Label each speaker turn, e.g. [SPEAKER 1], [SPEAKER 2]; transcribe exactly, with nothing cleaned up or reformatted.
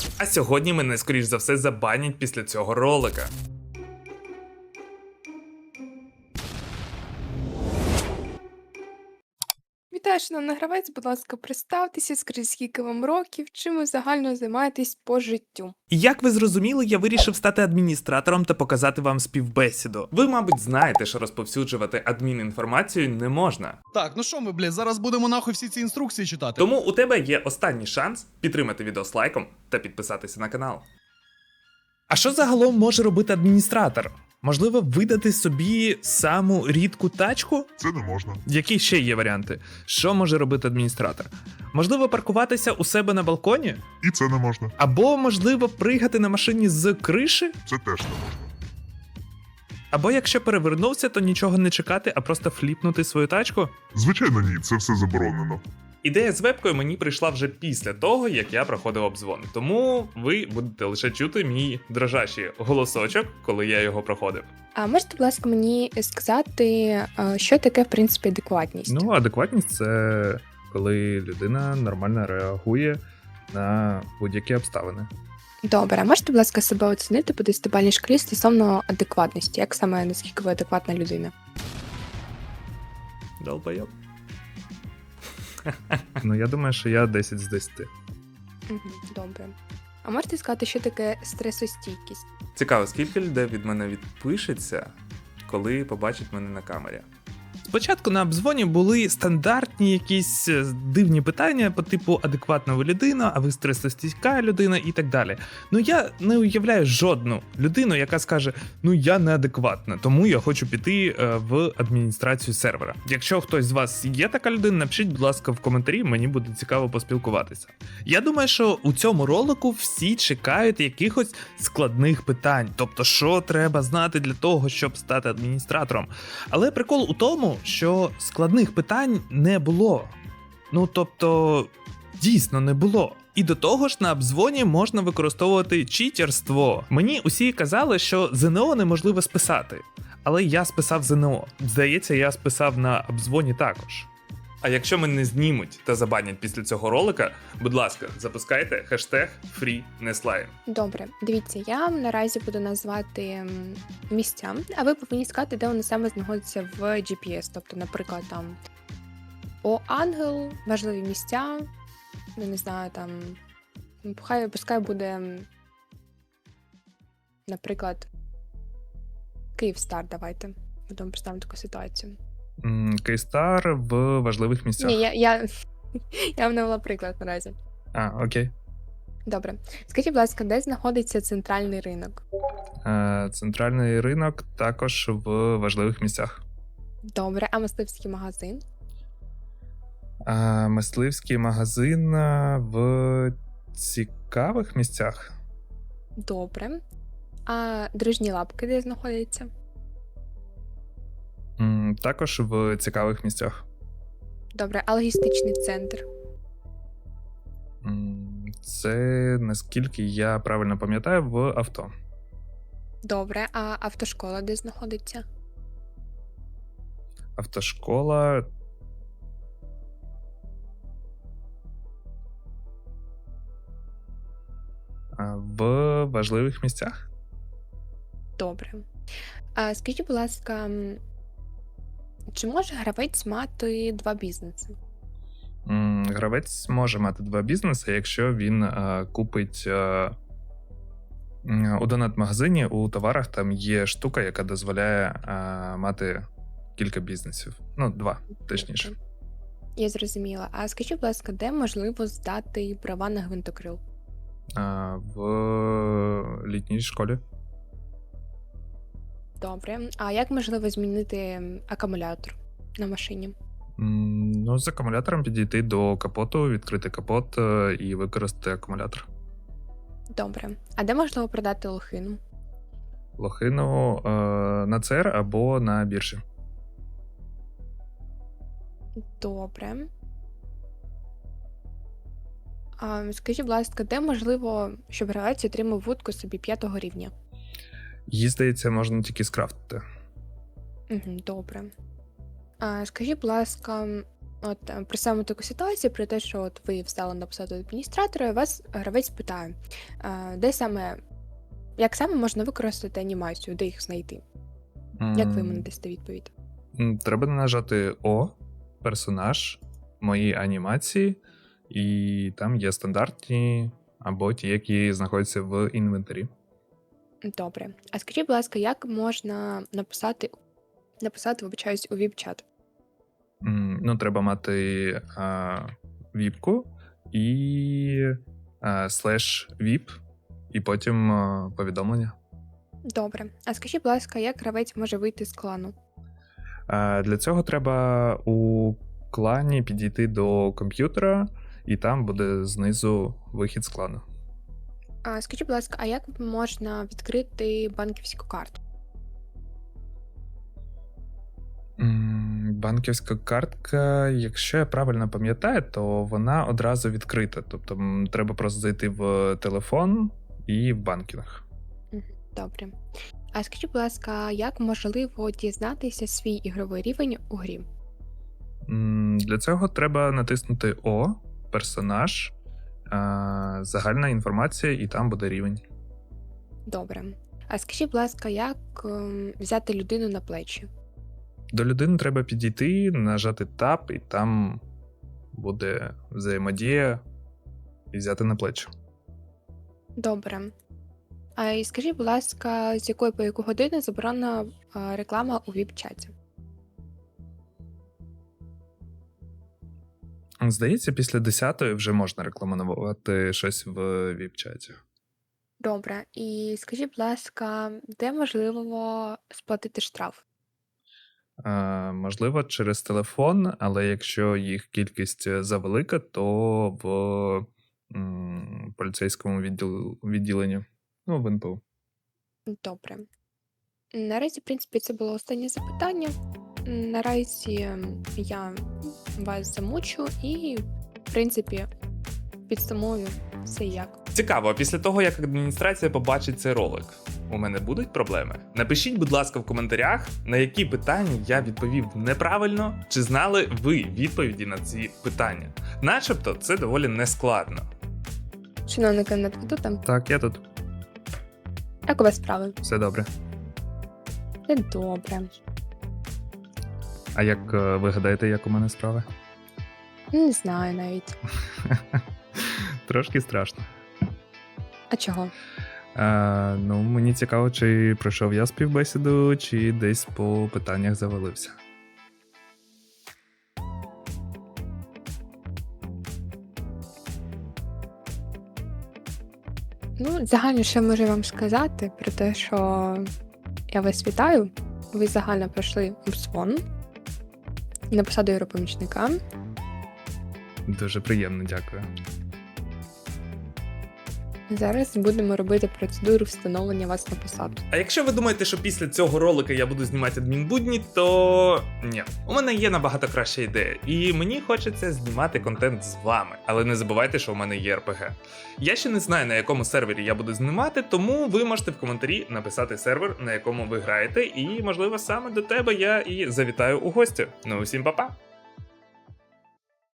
[SPEAKER 1] А сьогодні мене, скоріш за все, забанять після цього ролика.
[SPEAKER 2] Вітаю, шановний гравець, будь ласка, представтеся, скажіть, скільки вам років, чим ви загально займаєтесь по життю.
[SPEAKER 1] І як ви зрозуміли, я вирішив стати адміністратором та показати вам співбесіду. Ви, мабуть, знаєте, що розповсюджувати адмінінформацію не можна.
[SPEAKER 3] Так, ну що ми, блядь, зараз будемо нахуй всі ці інструкції читати.
[SPEAKER 1] Тому у тебе є останній шанс підтримати відео з лайком та підписатися на канал. А що загалом може робити адміністратор? Можливо, видати собі саму рідку тачку?
[SPEAKER 4] Це не можна.
[SPEAKER 1] Які ще є варіанти? Що може робити адміністратор? Можливо, паркуватися у себе на балконі?
[SPEAKER 4] І це не можна.
[SPEAKER 1] Або, можливо, пригати на машині з криші?
[SPEAKER 4] Це теж не можна.
[SPEAKER 1] Або якщо перевернувся, то нічого не чекати, а просто фліпнути свою тачку?
[SPEAKER 4] Звичайно, ні, це все заборонено.
[SPEAKER 1] Ідея з вебкою мені прийшла вже після того, як я проходив обзвон. Тому ви будете лише чути мій дрожащий голосочок, коли я його проходив.
[SPEAKER 2] А можете, будь ласка, мені сказати, е, що таке, в принципі, адекватність?
[SPEAKER 1] Ну, адекватність це коли людина нормально реагує на будь-які обставини.
[SPEAKER 2] Добре, а можете, будь ласка, себе оцінити по десятибальній шкалі стосовно адекватності? Як саме, наскільки ви адекватна людина?
[SPEAKER 1] Долбойоб. Ну, я думаю, що я десять з десяти.
[SPEAKER 2] Угу, добре. А можете сказати, що таке стресостійкість?
[SPEAKER 1] Цікаво, скільки людей від мене відпишеться, коли побачить мене на камері. Спочатку на обзвоні були стандартні якісь дивні питання по типу адекватна ви людина, а ви стресостійка людина і так далі. Ну я не уявляю жодну людину, яка скаже, ну я неадекватна, тому я хочу піти в адміністрацію сервера. Якщо хтось з вас є така людина, напишіть, будь ласка, в коментарі, мені буде цікаво поспілкуватися. Я думаю, що у цьому ролику всі чекають якихось складних питань, тобто що треба знати для того, щоб стати адміністратором. Але прикол у тому, що складних питань не було. Ну, тобто, дійсно не було. І до того ж, на обзвоні можна використовувати читерство. Мені усі казали, що ЗНО неможливо списати. Але я списав ЗНО. Здається, я списав на обзвоні також. А якщо мене знімуть та забанять після цього ролика, будь ласка, запускайте хештег FreeNeslime.
[SPEAKER 2] Добре, дивіться, я вам наразі буду назвати м, місця, а ви повинні сказати, де вони саме знаходяться в джі пі ес. Тобто, наприклад, там О Ангел, важливі місця, ну не знаю, там хай пускай буде, м, наприклад, Київстар, давайте. Будемо представити таку ситуацію.
[SPEAKER 1] Київстар в важливих місцях.
[SPEAKER 2] Ні, я, я, я вам навела приклад наразі.
[SPEAKER 1] А, окей.
[SPEAKER 2] Добре. Скажіть, будь ласка, де знаходиться центральний ринок?
[SPEAKER 1] Е, Центральний ринок також в важливих місцях.
[SPEAKER 2] Добре, а мисливський магазин?
[SPEAKER 1] А мисливський магазин е, в цікавих місцях.
[SPEAKER 2] Добре. А дружні лапки де знаходяться?
[SPEAKER 1] М, Також в цікавих місцях.
[SPEAKER 2] Добре, а логістичний центр?
[SPEAKER 1] М, Це, наскільки я правильно пам'ятаю, в авто.
[SPEAKER 2] Добре, а автошкола де знаходиться?
[SPEAKER 1] Автошкола. а, В важливих місцях.
[SPEAKER 2] Добре. А скажіть, будь ласка, м, чи може гравець мати два бізнеси?
[SPEAKER 1] М, Гравець може мати два бізнеси, якщо він е, купить е, м, у донат-магазині у товарах там є штука, яка дозволяє е, мати кілька бізнесів. Ну, два, точніше.
[SPEAKER 2] Добре. Я зрозуміла. А скажіть, будь ласка, де можливо здати права на гвинтокрил?
[SPEAKER 1] А, в літній школі.
[SPEAKER 2] Добре. А як можливо змінити м, акумулятор на машині?
[SPEAKER 1] М, Ну, з акумулятором підійти до капоту, відкрити капот е, і використати акумулятор.
[SPEAKER 2] Добре. А де можливо продати лохину?
[SPEAKER 1] Лохину е, на це ер або на біржі.
[SPEAKER 2] Добре. А, скажіть, будь ласка, де можливо, щоб гравець отримав вудку собі п'ятого рівня?
[SPEAKER 1] Її, здається, можна тільки скрафтити.
[SPEAKER 2] Угу, добре. А, скажіть, будь ласка, От е, представимо таку ситуацію про те, що от ви встали на посаду адміністратора, і вас гравець питає, е, де саме, як саме можна використати анімацію, де їх знайти? Як ви йому
[SPEAKER 1] М,
[SPEAKER 2] надасте відповідь?
[SPEAKER 1] м, Треба нажати О, персонаж, мої анімації, і там є стандартні або ті, які знаходяться в інвентарі.
[SPEAKER 2] Добре. А скажіть, будь ласка, як можна написати, написати, вибачаюсь, у віп-чат?
[SPEAKER 1] М, Ну, треба мати а, віпку і а, слеш віп, і потім а, повідомлення.
[SPEAKER 2] Добре. А скажіть, будь ласка, як гравець може вийти з клану?
[SPEAKER 1] А, Для цього треба у клані підійти до комп'ютера, і там буде знизу вихід з клану.
[SPEAKER 2] А скажіть, будь ласка, а як можна відкрити банківську карту?
[SPEAKER 1] М, Банківська картка, якщо я правильно пам'ятаю, то вона одразу відкрита. Тобто м, треба просто зайти в телефон і в банкінг.
[SPEAKER 2] Мгм. Добре. А скажіть, будь ласка, як можливо дізнатися свій ігровий рівень у грі?
[SPEAKER 1] М, Для цього треба натиснути О, персонаж, а, загальна інформація, і там буде рівень.
[SPEAKER 2] Добре. А скажіть, будь ласка, як ем, взяти людину на плечі?
[SPEAKER 1] До людини треба підійти, нажати Tab, і там буде взаємодія і взяти на плечі.
[SPEAKER 2] Добре. А і скажіть, будь ласка, з якої по яку годину заборонена а, реклама у віп-чаті?
[SPEAKER 1] Здається, після десятої вже можна рекламувати щось в віп-чаті.
[SPEAKER 2] Добре. І скажіть, будь ласка, де можливо сплатити штраф?
[SPEAKER 1] Е, можливо, через телефон, але якщо їх кількість завелика, то в м, поліцейському відділ, відділенні, ну, в ен пе у.
[SPEAKER 2] Добре. Наразі, в принципі, це було останнє запитання. Наразі ем, я вас замучу і, в принципі, підсумую все як.
[SPEAKER 1] Цікаво, а після того, як адміністрація побачить цей ролик, у мене будуть проблеми? Напишіть, будь ласка, в коментарях, на які питання я відповів неправильно, чи знали ви відповіді на ці питання. Начебто, це доволі нескладно.
[SPEAKER 2] Шановний кандидат, ви тут там?
[SPEAKER 1] Так, я тут.
[SPEAKER 2] Як у вас справи?
[SPEAKER 1] Все добре.
[SPEAKER 2] Все добре.
[SPEAKER 1] А як е, ви гадаєте, як у мене справи?
[SPEAKER 2] Не знаю навіть.
[SPEAKER 1] Трошки страшно.
[SPEAKER 2] А чого?
[SPEAKER 1] А, ну, мені цікаво, чи пройшов я співбесіду, чи десь по питаннях завалився.
[SPEAKER 2] Ну, загально, що можу вам сказати про те, що я вас вітаю. Ви загально пройшли обзвон на посаду європомічника.
[SPEAKER 1] Дуже приємно, дякую.
[SPEAKER 2] Зараз будемо робити процедуру встановлення вас на посаду.
[SPEAKER 1] А якщо ви думаєте, що після цього ролика я буду знімати адмінбудні, то ні. У мене є набагато краща ідея, і мені хочеться знімати контент з вами. Але не забувайте, що у мене є ар пі ге. Я ще не знаю, на якому сервері я буду знімати, тому ви можете в коментарі написати сервер, на якому ви граєте, і, можливо, саме до тебе я і завітаю у гості. Ну, усім па-па!